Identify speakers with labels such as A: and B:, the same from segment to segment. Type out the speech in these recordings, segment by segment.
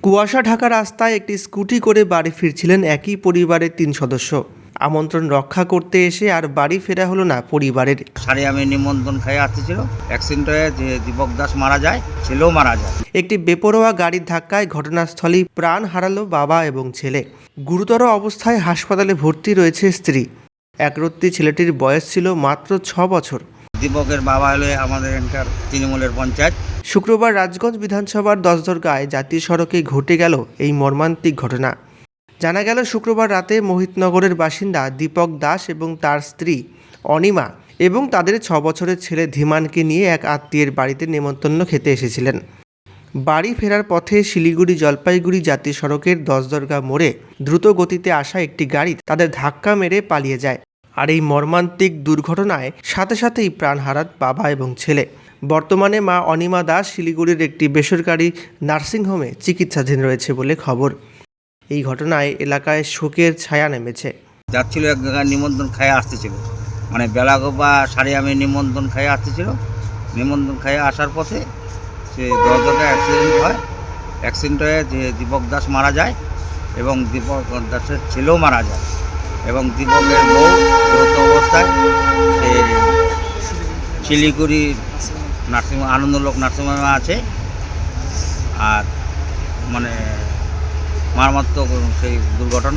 A: কুয়াশা ঢাকা রাস্তায় একটি স্কুটি করে বাড়ি ফিরছিলেন একই পরিবারের ৩ সদস্য। আমন্ত্রণ রক্ষা করতে এসে আর বাড়ি ফেরা হলো না পরিবারের।
B: আমি নিমন্ত্রণ খেয়ে আসতেছিল, অ্যাক্সিডেন্ট হয়ে যে দীপক দাস মারা যায়, ছেলেও মারা যায়।
A: একটি বেপরোয়া গাড়ির ধাক্কায় ঘটনাস্থলেই প্রাণ হারালো বাবা এবং ছেলে। গুরুতর অবস্থায় হাসপাতালে ভর্তি রয়েছে স্ত্রী। একরত্তি ছেলেটির বয়স ছিল মাত্র ৬ বছর।
B: দীপকের বাবা হলো আমাদের এখানকার তৃণমূলের পঞ্চায়েত।
A: শুক্রবার রাজগঞ্জ বিধানসভার দশদরগায় জাতীয় সড়কে ঘটে গেল এই মর্মান্তিক ঘটনা। জানা গেল শুক্রবার রাতে মোহিতনগরের বাসিন্দা দীপক দাস এবং তার স্ত্রী অনিমা এবং তাদের ৬ বছরের ছেলে ধীমানকে নিয়ে এক আত্মীয়ের বাড়িতে নেমন্তন্ন খেতে এসেছিলেন। বাড়ি ফেরার পথে শিলিগুড়ি জলপাইগুড়ি জাতীয় সড়কের দশদরগা মোড়ে দ্রুত গতিতে আসা একটি গাড়ি তাদের ধাক্কা মেরে পালিয়ে যায়। আর এই মর্মান্তিক দুর্ঘটনায় সাথে সাথেই প্রাণ হারান বাবা এবং ছেলে। বর্তমানে মা অনিমা দাস শিলিগুড়ির একটি বেসরকারি নার্সিংহোমে চিকিৎসাধীন রয়েছে বলে খবর। এই ঘটনায় এলাকায় শোকের ছায়া নেমেছে।
B: যাচ্ছিল এক জায়গায় নিমন্ত্রণ খেয়ে আসতেছিল, মানে বেলাগোপা আমি নিমন্ত্রণ খেয়ে আসতেছিল। নিমন্ত্রণ খেয়ে আসার পথে সে দরজাটা অ্যাক্সিডেন্ট হয়। অ্যাক্সিডেন্ট হয়ে যে দীপক দাস মারা যায় এবং দীপক দাসের ছেলেও মারা যায় এবং দীপকের বউ গুরুতর অবস্থায় সে শিলিগুড়ি নার্সিংহোম আনন্দলোক নার্সিংহোমে আছে। আর মানে মারাত্মক সেই দুর্ঘটনা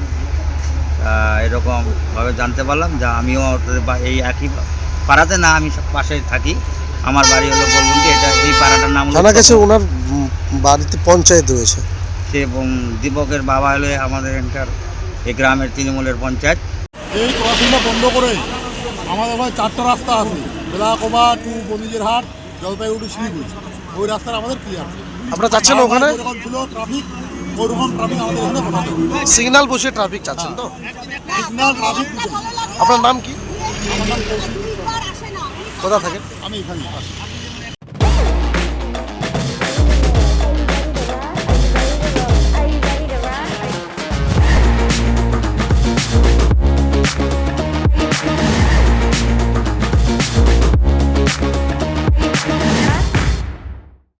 B: এরকমভাবে জানতে পারলাম। যা আমিও এই একই পাড়াতে না, আমি পাশে থাকি। আমার বাড়ি হলো বলবন্তি, এটা এই পাড়াটার নাম
C: জানা গেছে ওনার বাড়িতে পঞ্চায়েত রয়েছে।
B: সে এবং দীপকের বাবা হলো আমাদের এখানকার এই গ্রামের তৃণমূলের পঞ্চায়েত।
D: এই ক্রসিংটা বন্ধ করে আমাদের ভাই 4টা রাস্তা আছে, বেলাকোবা টু বনিজেরহাট জলপাইগুড়ি শিলিগুড়ি, ওই রাস্তাটা আমাদের ক্লিয়ার।
C: আপনারা চাচ্ছেন ওখানে
D: যেরকম ছিল ট্রাফিক, ওইরকম ট্রাফিক আমাদের এখানে বসাতে হবে।
C: সিগন্যাল বসে ট্রাফিক চাচ্ছেন তো?
D: সিগন্যাল ট্রাফিক দিতে।
C: আপনার নাম কি?
D: আমার নাম
C: কোথা থাকেন?
D: আমি এখানে আসি।